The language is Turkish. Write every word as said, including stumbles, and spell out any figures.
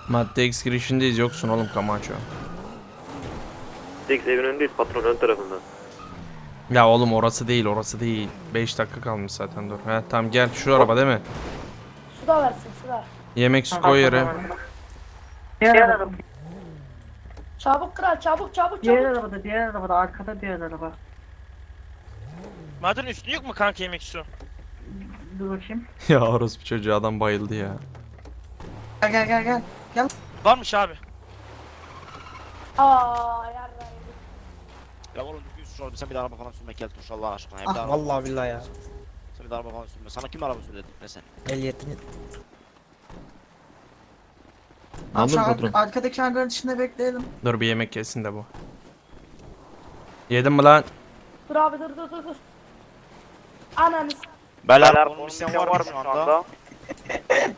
Madde X girişindeyiz, yoksun oğlum Camacho. Tek evin önündeyiz, patron ön tarafında. Ya oğlum orası değil, orası değil. beş dakika kalmış zaten, dur. He tamam gel, şu araba değil mi? Su da versin su da. Yemek su koy yere. Diğer araba. Çabuk kral çabuk çabuk Diğer çabuk. arabada, diğer arabada, arkada diğer araba. Madem üstü yok mu kanka yemek su? Dur bakayım. Ya orospu çocuğu, adam bayıldı ya. Gel gel gel gel. Varmış abi. Aa yarrayım. Ya oğlum düzgün sür oğlum, sen bir de araba falan sürme Keltoş Allah aşkına. Ya bir de Ah araba vallahi falan billahi sürme. ya. Sen bir de araba falan sürme. Sana kim araba sürdü ne sen? Ehliyetini. Aldın Abi şu patron. ar- arkadaki hangarın içinde bekleyelim. Dur bir yemek yesin de bu. Yedin mi lan? Dur abi dur dur dur dur. Ananı s- Beyler Beyler, konum konum isteyen isteyen var mı şu anda?